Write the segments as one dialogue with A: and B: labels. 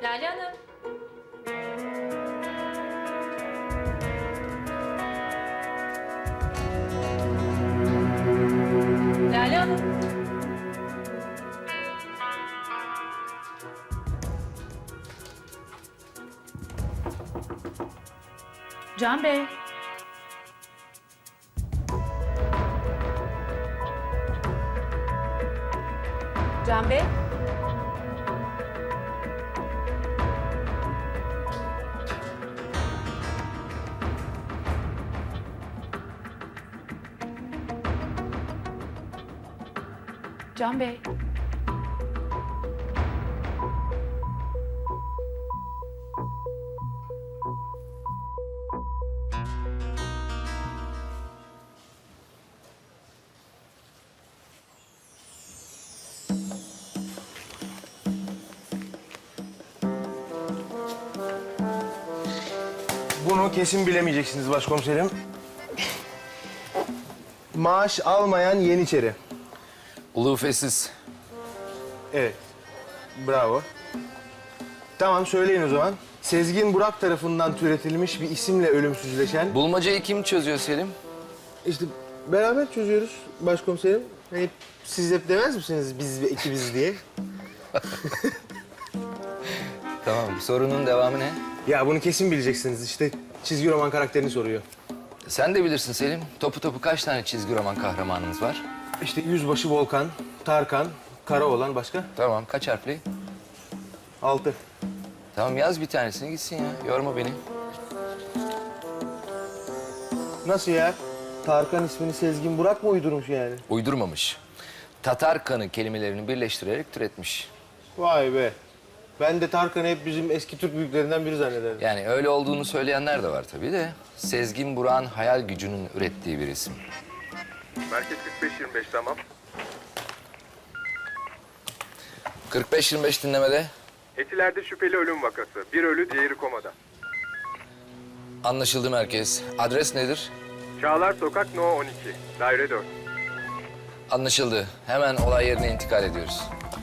A: Lale Hanım. Lale Hanım. Can Bey. Can Bey. Can Bey.
B: Bunu kesin bilemeyeceksiniz başkomiserim. Maaş almayan Yeniçeri.
C: Ulufesiz.
B: Evet. Bravo. Tamam söyleyin o zaman. Sezgin Burak tarafından türetilmiş bir isimle ölümsüzleşen...
C: Bulmacayı kim çözüyor Selim?
B: İşte beraber çözüyoruz başkomiserim. Hani siz hep demez misiniz biz ve ikimiz diye?
C: Tamam, sorunun devamı ne?
B: Ya bunu kesin bileceksiniz. İşte çizgi roman karakterini soruyor.
C: Sen de bilirsin Selim. Topu topu kaç tane çizgi roman kahramanımız var?
B: İşte Yüzbaşı Volkan, Tarkan, Karaoğlan başka?
C: Tamam, kaç harfli?
B: 6.
C: Tamam, yaz bir tanesini gitsin ya. Yorma beni.
B: Nasıl ya? Tarkan ismini Sezgin Burak mı uydurmuş yani?
C: Uydurmamış. Tatar kanı kelimelerini birleştirerek türetmiş.
B: Vay be. Ben de Tarkan'ı hep bizim eski Türk büyüklerinden biri zannederdim.
C: Yani öyle olduğunu söyleyenler de var tabii de. Sezgin Burak'ın hayal gücünün ürettiği bir isim.
D: Merkez 45-25 tamam.
C: 45-25 dinlemede.
D: Etiler'de şüpheli ölüm vakası. Bir ölü, diğeri komada.
C: Anlaşıldı merkez. Adres nedir?
D: Çağlar Sokak No 12. Daire 4.
C: Anlaşıldı. Hemen olay yerine intikal ediyoruz.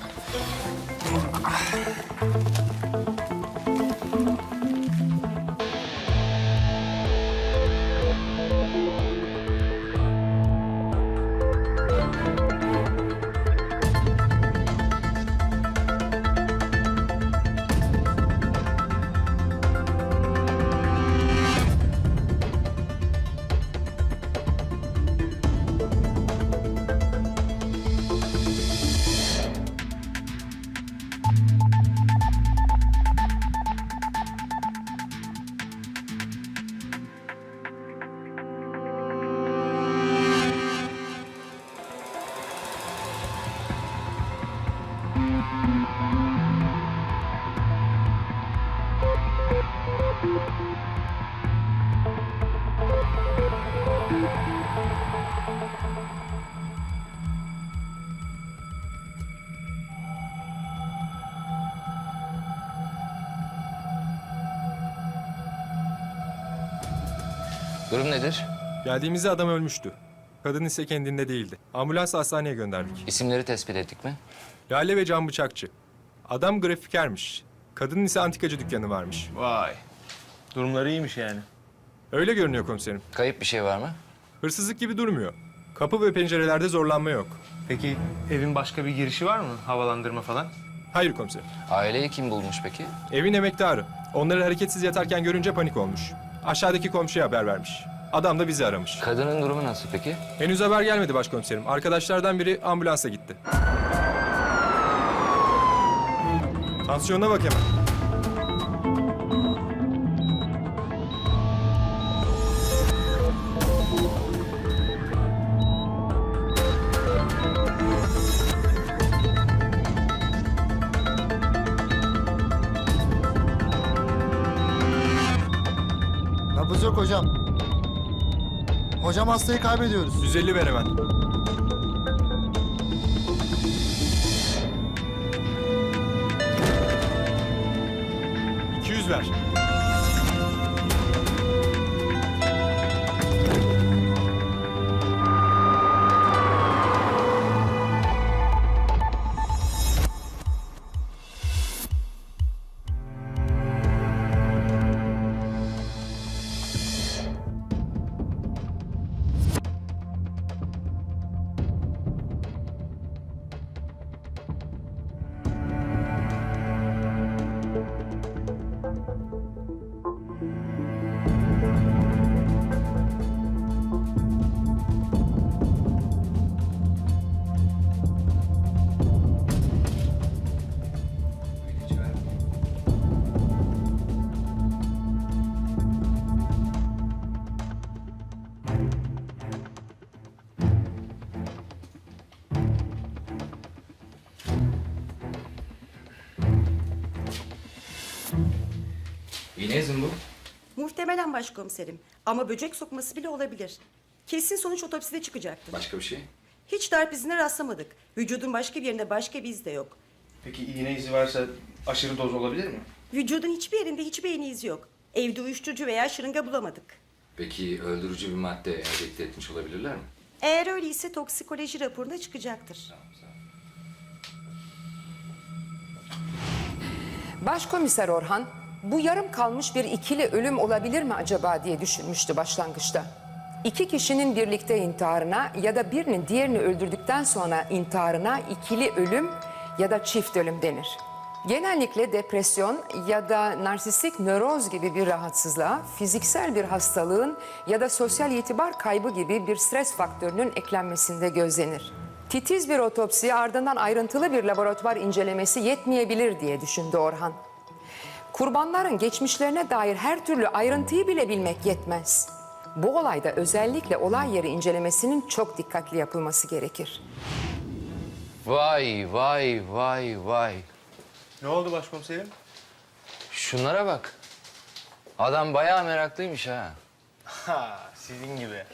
C: Durum nedir?
E: Geldiğimizde adam ölmüştü. Kadın ise kendinde değildi. Ambulansla hastaneye gönderdik.
C: İsimleri tespit ettik mi?
E: Lale ve Can Bıçakçı. Adam grafikermiş. Kadının ise antikacı dükkanı varmış.
B: Vay. Durumları iyiymiş yani.
E: Öyle görünüyor komiserim.
C: Kayıp bir şey var mı?
E: Hırsızlık gibi durmuyor. Kapı ve pencerelerde zorlanma yok.
B: Peki evin başka bir girişi var mı? Havalandırma falan?
E: Hayır komiserim.
C: Aileyi kim bulmuş peki?
E: Evin emektarı. Onları hareketsiz yatarken görünce panik olmuş. Aşağıdaki komşuya haber vermiş. Adam da bizi aramış.
C: Kadının durumu nasıl peki?
E: Henüz haber gelmedi başkomiserim. Arkadaşlardan biri ambulansa gitti. Tansiyonuna bak hemen.
F: Nabız yok hocam. Hocam hastayı kaybediyoruz.
E: 150 ver hemen. 200 ver.
C: İğne izi mi bu?
G: Muhtemelen başkomiserim. Ama böcek sokması bile olabilir. Kesin sonuç otopside çıkacaktır.
C: Başka bir şey?
G: Hiç darp izine rastlamadık. Vücudun başka bir yerinde başka bir iz de yok.
B: Peki iğne izi varsa aşırı doz olabilir mi?
G: Vücudun hiçbir yerinde hiçbir iğne izi yok. Evde uyuşturucu veya şırınga bulamadık.
C: Peki öldürücü bir madde enjekte etmiş olabilirler mi?
G: Eğer öyleyse toksikoloji raporunda çıkacaktır.
H: Başkomiser Orhan, bu yarım kalmış bir ikili ölüm olabilir mi acaba diye düşünmüştü başlangıçta. İki kişinin birlikte intiharına ya da birinin diğerini öldürdükten sonra intiharına ikili ölüm ya da çift ölüm denir. Genellikle depresyon ya da narsistik nöroz gibi bir rahatsızlığa, fiziksel bir hastalığın ya da sosyal itibar kaybı gibi bir stres faktörünün eklenmesinde gözlenir. Titiz bir otopsi ardından ayrıntılı bir laboratuvar incelemesi yetmeyebilir diye düşündü Orhan. Kurbanların geçmişlerine dair her türlü ayrıntıyı bile bilmek yetmez. Bu olayda özellikle olay yeri incelemesinin çok dikkatli yapılması gerekir.
C: Vay vay vay vay.
B: Ne oldu başkomiserim?
C: Şunlara bak. Adam bayağı meraklıymış ha.
B: Ha, sizin gibi.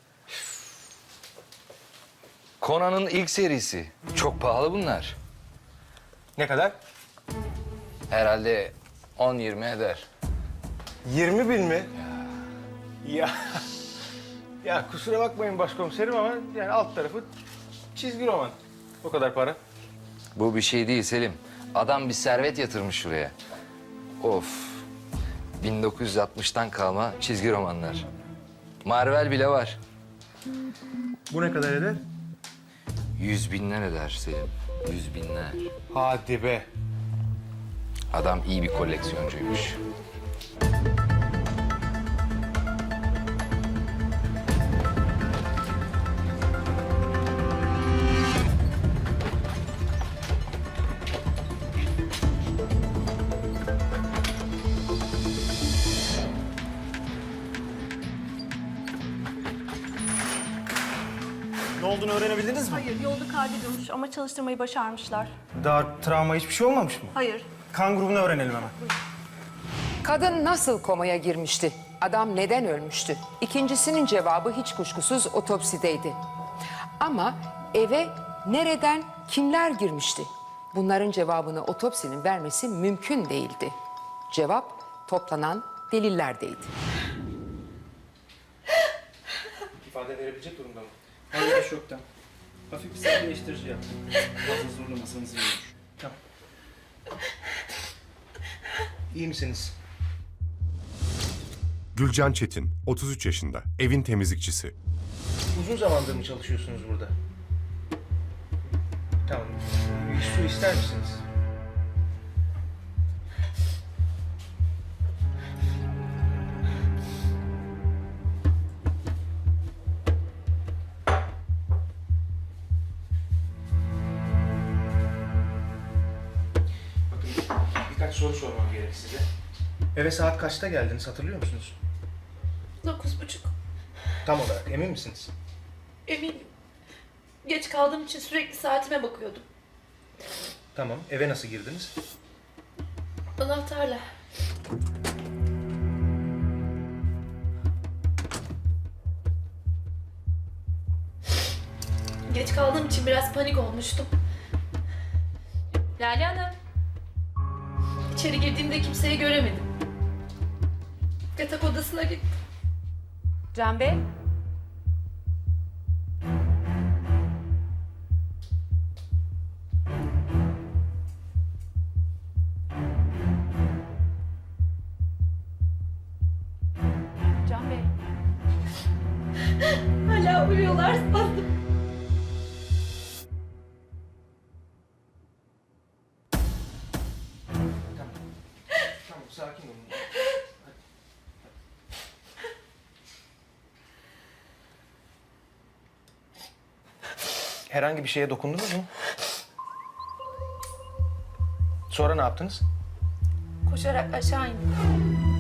C: Conan'ın ilk serisi. Çok pahalı bunlar.
B: Ne kadar?
C: Herhalde 10-20 eder.
B: 20 bin mi? Ya. Ya kusura bakmayın başkomiserim ama yani alt tarafı çizgi roman. O kadar para.
C: Bu bir şey değil Selim. Adam bir servet yatırmış şuraya. Of. 1960'tan kalma çizgi romanlar. Marvel bile var.
B: Bu ne kadar eder?
C: 100 binler eder Selim. 100 binler.
B: Hadi be.
C: Adam iyi bir koleksiyoncuymuş.
I: Ne olduğunu öğrenebildiniz mi?
J: Hayır, yolda kaybedilmiş ama çalıştırmayı başarmışlar.
I: Daha travma hiçbir şey olmamış mı?
J: Hayır.
I: Kan grubunu öğrenelim hemen.
H: Kadın nasıl komaya girmişti? Adam neden ölmüştü? İkincisinin cevabı hiç kuşkusuz otopsideydi. Ama eve nereden, kimler girmişti? Bunların cevabını otopsinin vermesi mümkün değildi. Cevap toplanan delillerdeydi.
I: İfade verebilecek durumda mı? Hayır, şoktan. Hafif bir sakinleştirici yap. Fazla zorlamasanız iyi olur. Tamam.
B: İyi misiniz?
K: Gülcan Çetin, 33 yaşında, evin temizlikçisi.
B: Uzun zamandır mı çalışıyorsunuz burada? Tamam. Bir su ister misiniz? Bakın birkaç soru sormam gerek size. Eve saat kaçta geldiniz hatırlıyor musunuz?
J: 9:30.
B: Tam olarak emin misiniz?
J: Eminim. Geç kaldığım için sürekli saatime bakıyordum.
B: Tamam. Eve nasıl girdiniz?
J: Anahtarla. Geç kaldığım için biraz panik olmuştum. Lale Hanım. İçeri girdiğimde kimseyi göremedim. Yatak odasına gittim.
A: Can Bey. Can Bey.
J: Hala uyuyorlar sandım.
B: Tamam, sakin olun. Herhangi bir şeye dokundunuz mu? Sonra ne yaptınız?
J: Koşarak aşağı indim.